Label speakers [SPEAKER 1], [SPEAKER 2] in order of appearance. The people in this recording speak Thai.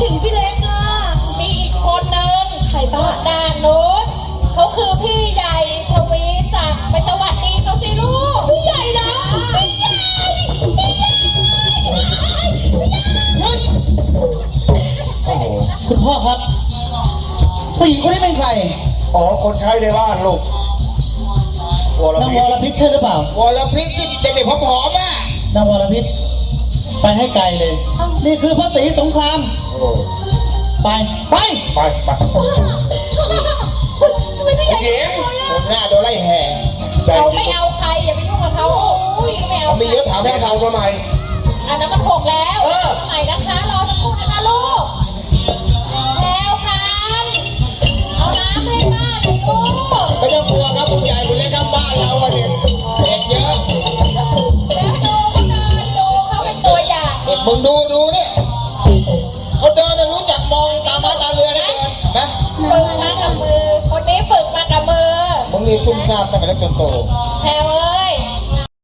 [SPEAKER 1] ถึงพี่เล็กอ่ะมีอีกคนนึงใครบ้างด้านโน้นเขาคือพี่ใหญ่ทวีศักดิ์ไปสวัสดีเขาสิลูกพี่ใหญ่นะพี่ใหญ่พี่ใหญ่
[SPEAKER 2] คุณพ่อครับผู้หญิงคนนี้เป็นใคร
[SPEAKER 3] อ๋อคนใช้ในบ้านลูก
[SPEAKER 2] นางวรพิษใช่หรือเปล่าว
[SPEAKER 3] รพิษที่เด็กๆผอมๆอ่ะ
[SPEAKER 2] นางวรพิษไปให้ไกลเลย นี่คือพระศรีสงครามไปไป
[SPEAKER 3] ไปเก๋ผมหน้าโดนไล่แห่
[SPEAKER 1] เขาไม่เอาใครอย่าไปยุ่งกับเขาไม่เอา
[SPEAKER 3] เขาไม่เยอะถามแม่ทางทำไม
[SPEAKER 1] อันนั้นมันหกแล้วใหม่นะคะรอสักครู่นะคะลูกแล้วค่ะเอาน้ำให้ป้าหน่อยลูก
[SPEAKER 3] ไม่ต้องกลัวครับคุณใหญ่คุณเล็กครับบ้านเราเด็กเด็กเยอะ
[SPEAKER 1] แล้วดูเขาเป็นตัวอย่าง
[SPEAKER 3] เด็กมึงดูเนี่ยเขาเดินรู้จักมองตาม้าตาเรือนะเดินนะ
[SPEAKER 1] ฝึกมากับมือคนนี้ฝึกมากับมือ
[SPEAKER 3] มึงนี่ซุ่มซ่ามตั้งแต่เล็กจนโต
[SPEAKER 1] แถวเอ้